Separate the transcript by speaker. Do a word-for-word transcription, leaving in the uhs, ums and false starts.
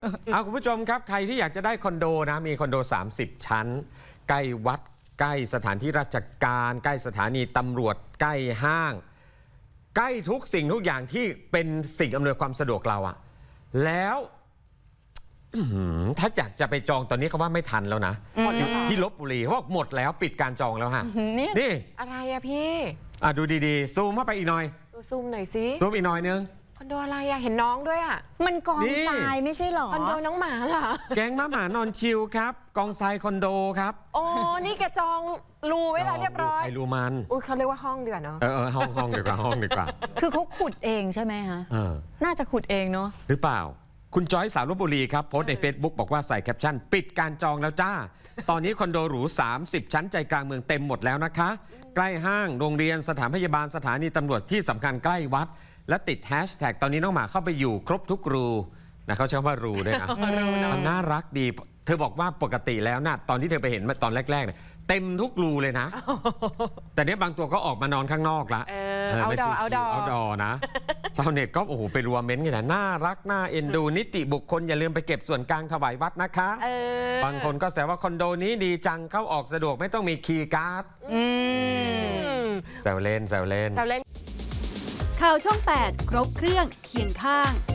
Speaker 1: เอาคุณผู้ชมครับใครที่อยากจะได้คอนโดนะมีคอนโดสามสิบชั้นใกล้วัดใกล้สถานที่ราชการใกล้สถานีตำรวจใกล้ห้างใกล้ทุกสิ่งทุกอย่างที่เป็นสิ่งอำนวยความสะดวกเราอะแล้วถ้าอยากจะไปจองตอนนี้เขาว่าไม่ทันแล้วนะที่ลพบุรีเขาบอกหมดแล้วปิดการจองแล้วฮะนี่
Speaker 2: อะไรอะพี่
Speaker 1: อ่ะดูดีๆซูมเข้าไปอีกหน่อย
Speaker 2: ซูมหน่อยสิ
Speaker 1: ซูมอีกหน่อยนึง
Speaker 2: คอนโดอะไรอะเห็นน้องด้วยอะ
Speaker 3: มันกองทรายไม่ใช่หรอ
Speaker 2: คอนโดน้องหมาเหรอ
Speaker 1: แก๊งม้าหมานอนชิลครับกองทรายคอนโดครับ
Speaker 2: โอ้นี่แกจองรูไว้แล้วเรียบร้อย
Speaker 1: ใครรูมัน
Speaker 2: อุ้ยเขาเรียกว่าห้องเดือนเนาะ
Speaker 1: เออห้องห้องดีกว่าห้องดีกว่า
Speaker 3: คือเขาขุดเองใช่ไหมฮะน่าจะขุดเองเนาะ
Speaker 1: หรือเปล่าคุณจอยสาวลพบุรีครับโพสต์ใน Facebook บอกว่าใส่แคปชั่นปิดการจองแล้วจ้าตอนนี้คอนโดหรูสามสิบชั้นใจกลางเมืองเต็มหมดแล้วนะคะใกล้ห้างโรงเรียนสถานพยาบาลสถานีตำรวจที่สำคัญใกล้วัดและติดแฮชแท็กตอนนี้น้องหมาเข้าไปอยู่ครบทุกรูนะเขาใช้ว่ารูด้วยนะมันน่ารักดีเธอบอกว่าปกติแล้วนะตอนที่เธอไปเห็นตอนแรกๆเนี่ยเต็มทุกรูเลยนะแต่เนี้ยบางตัวก็ออกมานอนข้างนอกละ
Speaker 2: เอาดอเอาดอ
Speaker 1: เอาดอนะชาวเน็ตก็โอ้โหไปรัวเม้นต์กันนะน่ารักน่าเอ็นดูนิติบุคคลอย่าลืมไปเก็บส่วนกลางถวายวัดนะคะบางคนก็แซวว่าคอนโดนี้ดีจังเข้าออกสะดวกไม่ต้องมีคีย์การ์ดแซวเล่นแซวเล่น
Speaker 2: แซวเล่น
Speaker 4: ข่าวช่องแปดครบเครื่องเคียงข้าง